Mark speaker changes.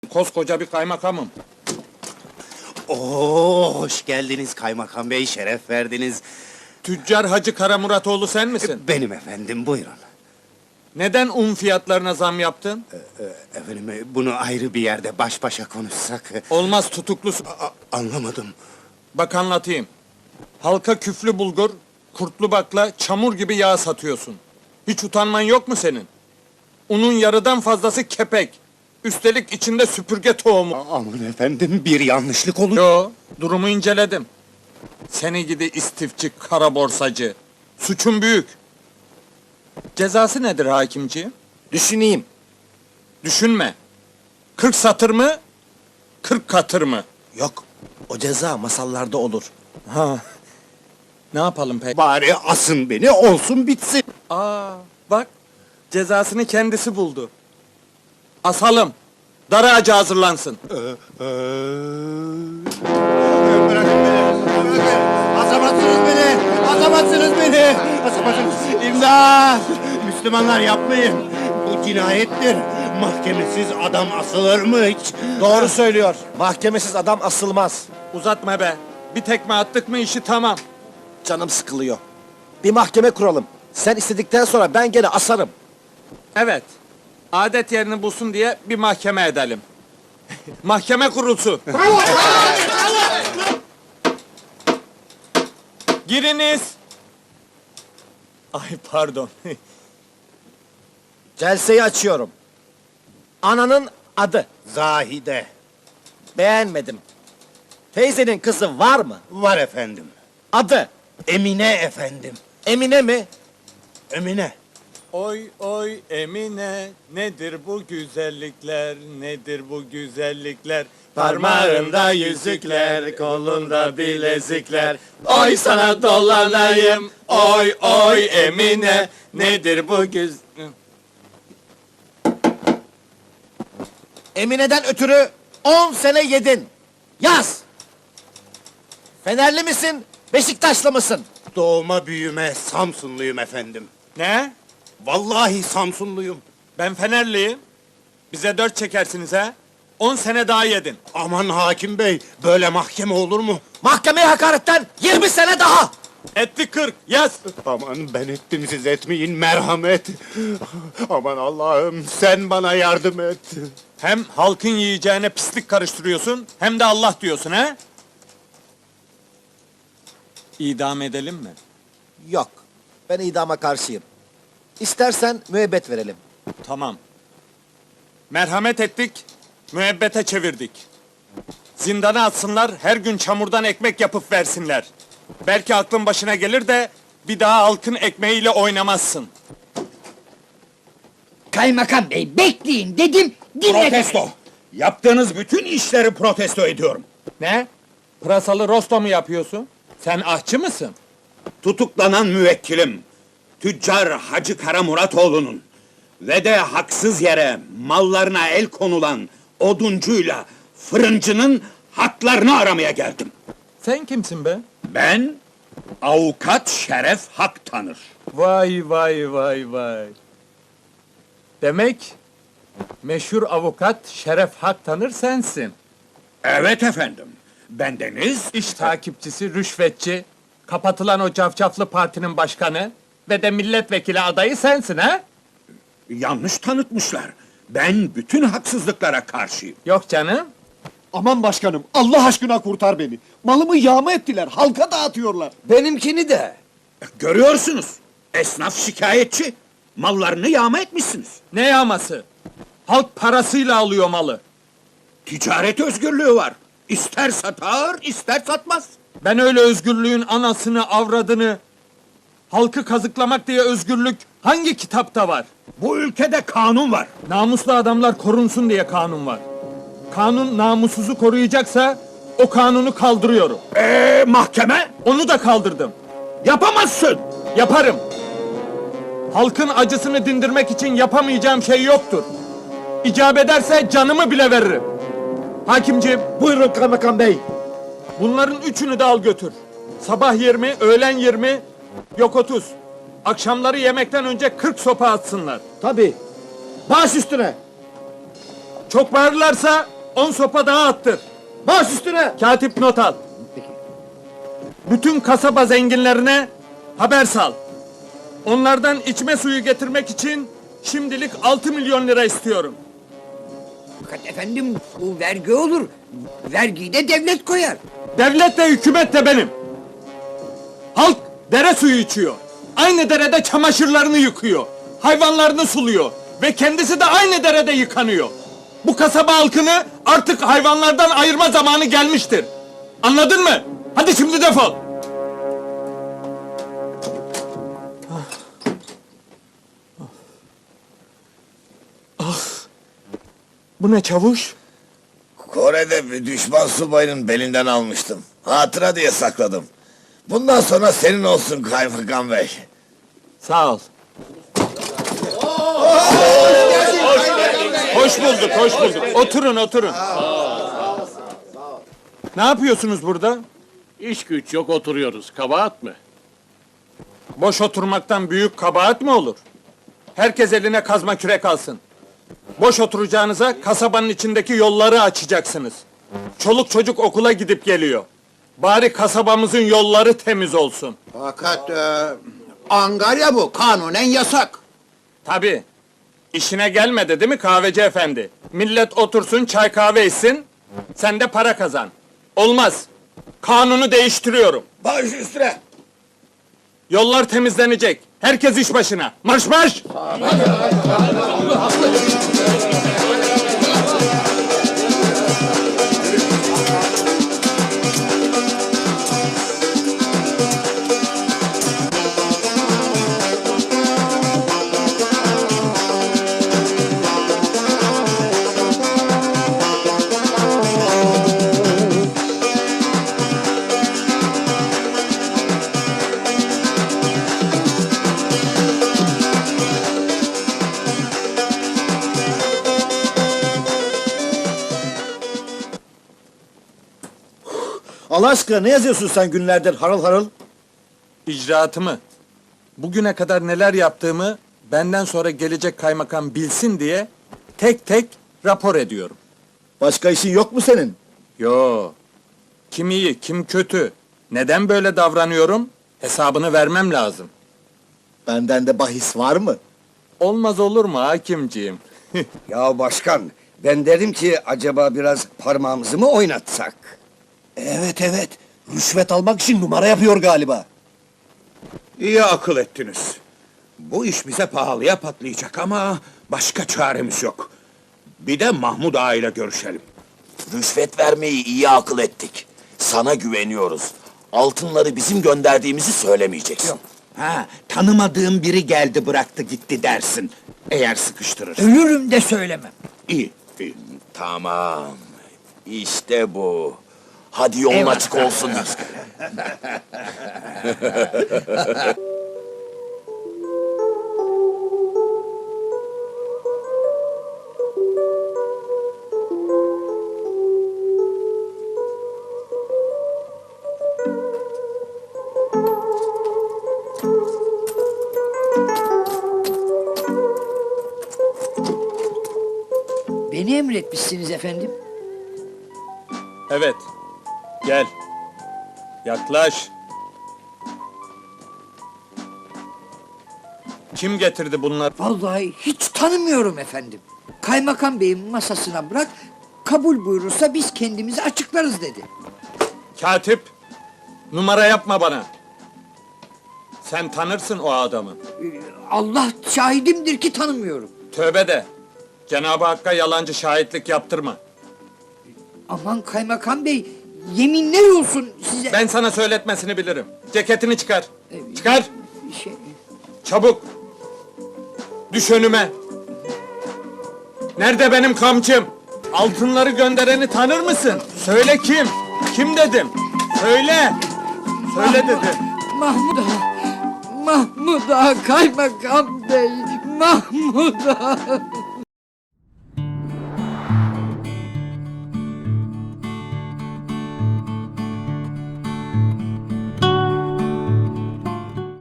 Speaker 1: Koskoca bir kaymakamım.
Speaker 2: Oo, hoş geldiniz kaymakam bey, şeref verdiniz.
Speaker 1: Tüccar Hacı Karamuratoğlu sen misin?
Speaker 2: Benim efendim, buyurun.
Speaker 1: Neden un fiyatlarına zam yaptın?
Speaker 2: Efendim, bunu ayrı bir yerde baş başa konuşsak...
Speaker 1: Olmaz, tutuklusun.
Speaker 2: Anlamadım.
Speaker 1: Bak anlatayım. Halka küflü bulgur, kurtlu bakla, çamur gibi yağ satıyorsun. Hiç utanman yok mu senin? Unun yarıdan fazlası kepek. Üstelik içinde süpürge tohumu.
Speaker 2: Aman efendim, bir yanlışlık olur.
Speaker 1: Yo, durumu inceledim. Seni gidi istifçi, kara borsacı. Suçun büyük. Cezası nedir hakimciğim?
Speaker 3: Düşüneyim.
Speaker 1: Düşünme. 40 satır mı? 40 katır mı?
Speaker 3: Yok, o ceza masallarda olur.
Speaker 1: Ha. Ne yapalım peki?
Speaker 2: Bari asın beni, olsun bitsin.
Speaker 1: Aa, bak. Cezasını kendisi buldu. Asalım. Dar ağacı hazırlansın.
Speaker 2: Bırakın beni, bırakın! Asamazsınız beni, asamazsınız beni! Asamazsınız! İmdat! Müslümanlar yapmayın! Bu cinayettir! Mahkemesiz adam asılır mı hiç?
Speaker 3: Doğru söylüyor. Mahkemesiz adam asılmaz.
Speaker 1: Uzatma be. Bir tekme attık mı işi tamam.
Speaker 3: Canım sıkılıyor. Bir mahkeme kuralım. Sen istedikten sonra ben gene asarım.
Speaker 1: Evet. Adet yerini bulsun diye bir mahkeme edelim. Mahkeme kurulsun. Giriniz. Ay pardon.
Speaker 3: Celseyi açıyorum. Ananın adı.
Speaker 2: Zahide.
Speaker 3: Beğenmedim. Teyzenin kızı var mı?
Speaker 2: Var efendim.
Speaker 3: Adı.
Speaker 2: Emine efendim.
Speaker 3: Emine mi?
Speaker 2: Emine.
Speaker 1: Oy oy Emine, nedir bu güzellikler, nedir bu güzellikler? Parmağında yüzükler, kolunda bilezikler. Oy sana dolanayım, oy oy Emine, nedir bu güz...
Speaker 3: Emine'den ötürü 10 sene yedin. Yaz! Fenerli misin, Beşiktaşlı mısın?
Speaker 2: Doğma büyüme Samsunluyum efendim.
Speaker 1: Ne?
Speaker 2: Vallahi Samsunluyum.
Speaker 1: Ben Fenerliyim. Bize 4 çekersiniz ha? 10 sene daha yedin.
Speaker 2: Aman hakim bey, böyle mahkeme olur mu?
Speaker 3: Mahkemeye hakaretten 20 sene daha!
Speaker 1: Etti 40, yaz!
Speaker 2: Aman ben ettim, siz etmeyin, merhamet. Aman Allah'ım, sen bana yardım et.
Speaker 1: Hem halkın yiyeceğine pislik karıştırıyorsun, hem de Allah diyorsun ha? İdam edelim mi?
Speaker 3: Yok, ben idama karşıyım. İstersen müebbet verelim.
Speaker 1: Tamam. Merhamet ettik, müebbete çevirdik. Zindana atsınlar, her gün çamurdan ekmek yapıp versinler. Belki aklın başına gelir de bir daha halkın ekmeğiyle oynamazsın.
Speaker 4: Kaymakam bey bekleyin dedim, dinledim.
Speaker 5: Protesto! Yaptığınız bütün işleri protesto ediyorum.
Speaker 1: Ne? Pırasalı rosto mu yapıyorsun? Sen ahçı mısın?
Speaker 5: Tutuklanan müvekkilim, tüccar Hacı Karamuratoğlu'nun ve de haksız yere mallarına el konulan oduncuyla fırıncının haklarını aramaya geldim.
Speaker 1: Sen kimsin be?
Speaker 5: Ben, avukat Şeref Hak tanır.
Speaker 1: Vay vay vay vay. Demek meşhur avukat Şeref Hak tanır sensin.
Speaker 5: Evet efendim, bendeniz...
Speaker 1: İş takipçisi, rüşvetçi, kapatılan o cafcaflı partinin başkanı ve de milletvekili adayı sensin ha?
Speaker 5: Yanlış tanıtmışlar. Ben bütün haksızlıklara karşıyım.
Speaker 1: Yok canım.
Speaker 6: Aman başkanım, Allah aşkına kurtar beni. Malımı yağma ettiler, halka dağıtıyorlar.
Speaker 3: Benimkini de.
Speaker 5: Görüyorsunuz, esnaf şikayetçi. Mallarını yağma etmişsiniz.
Speaker 1: Ne yağması? Halk parasıyla alıyor malı.
Speaker 5: Ticaret özgürlüğü var. İster satar, ister satmaz.
Speaker 1: Ben öyle özgürlüğün anasını, avradını, halkı kazıklamak diye özgürlük hangi kitapta var?
Speaker 5: Bu ülkede kanun var.
Speaker 1: Namuslu adamlar korunsun diye kanun var. Kanun namussuzu koruyacaksa o kanunu kaldırıyorum.
Speaker 5: Mahkeme?
Speaker 1: Onu da kaldırdım.
Speaker 5: Yapamazsın.
Speaker 1: Yaparım. Halkın acısını dindirmek için yapamayacağım şey yoktur. İcap ederse canımı bile veririm. Hakimciğim,
Speaker 3: Buyurun kaymakam bey.
Speaker 1: bunların üçünü de al götür. Sabah 20, öğlen 20, yok 30. Akşamları yemekten önce 40 sopa atsınlar.
Speaker 3: Tabii. Baş üstüne.
Speaker 1: Çok bağırırlarsa 10 sopa daha attır.
Speaker 3: Baş üstüne!
Speaker 1: Katip not al. Bütün kasaba zenginlerine haber sal. Onlardan içme suyu getirmek için şimdilik 6 milyon lira istiyorum.
Speaker 4: Fakat efendim bu vergi olur. Vergiyi de devlet koyar.
Speaker 1: Devlet de hükümet de benim. Halk dere suyu içiyor. Aynı derede çamaşırlarını yıkıyor. Hayvanlarını suluyor. Ve kendisi de aynı derede yıkanıyor. Bu kasaba halkını artık hayvanlardan ayırma zamanı gelmiştir. Anladın mı? Hadi şimdi defol. Bu ne çavuş?
Speaker 7: Kore'de bir düşman subayının belinden almıştım. Hatıra diye sakladım. Bundan sonra senin olsun kaymakam bey.
Speaker 1: Sağ ol. Hoş bulduk, hoş bulduk. Oturun, oturun. Ne yapıyorsunuz burada?
Speaker 8: İş güç yok oturuyoruz. Kabahat mı?
Speaker 1: Boş oturmaktan büyük kabahat mi olur? Herkes eline kazma kürek alsın. Boş oturacağınıza kasabanın içindeki yolları açacaksınız. Çoluk çocuk okula gidip geliyor. Bari kasabamızın yolları temiz olsun.
Speaker 5: Fakat Angarya bu, kanunen yasak.
Speaker 1: Tabii. İşine gelmedi değil mi kahveci efendi? Millet otursun çay kahve içsin, sen de para kazan. Olmaz. Kanunu değiştiriyorum.
Speaker 7: Baş üstüne.
Speaker 1: Yollar temizlenecek. Herkes iş başına. Marş marş!
Speaker 3: Allah aşkına ne yazıyorsun sen günlerdir harıl harıl?
Speaker 1: İcraatımı, bugüne kadar neler yaptığımı benden sonra gelecek kaymakam bilsin diye tek tek rapor ediyorum.
Speaker 3: Başka işin yok mu senin?
Speaker 1: Yo. Kim iyi, kim kötü? Neden böyle davranıyorum? Hesabını vermem lazım.
Speaker 3: Benden de bahis var mı?
Speaker 1: Olmaz olur mu hakimciğim?
Speaker 9: Ya başkan, ben dedim ki acaba biraz parmağımızı mı oynatsak?
Speaker 3: Evet, rüşvet almak için numara yapıyor galiba.
Speaker 5: İyi akıl ettiniz. Bu iş bize pahalıya patlayacak ama başka çaremiz yok. Bir de Mahmud Ağa ile görüşelim.
Speaker 7: Rüşvet vermeyi iyi akıl ettik. Sana güveniyoruz. Altınları bizim gönderdiğimizi söylemeyeceksin.
Speaker 5: Ha, tanımadığım biri geldi bıraktı gitti dersin. Eğer sıkıştırır.
Speaker 4: Ölürüm de söylemem.
Speaker 5: İyi, iyi.
Speaker 7: Tamam. İşte bu. Hadi yolun
Speaker 4: Eyvallah.
Speaker 7: açık olsun.
Speaker 4: Beni emretmişsiniz efendim.
Speaker 1: Evet. Gel. Yaklaş. Kim getirdi bunları?
Speaker 4: Vallahi hiç tanımıyorum efendim. Kaymakam beyin masasına bırak, kabul buyurursa biz kendimizi açıklarız dedi.
Speaker 1: Katip, numara yapma bana. Sen tanırsın o adamı.
Speaker 4: Allah şahidimdir ki tanımıyorum.
Speaker 1: Tövbe de. Cenab-ı Hakk'a yalancı şahitlik yaptırma.
Speaker 4: Aman kaymakam bey, yeminler olsun size.
Speaker 1: Ben sana söyletmesini bilirim. Ceketini çıkar. Çıkar.
Speaker 4: Şey,
Speaker 1: Çabuk. Düş önüme. Nerede benim kamçım? Altınları göndereni tanır mısın? Söyle kim? Kim dedim? Söyle. Söyle dedim.
Speaker 4: Mahmud Ağa, Mahmud Ağa kaymakam bey, Mahmud Ağa.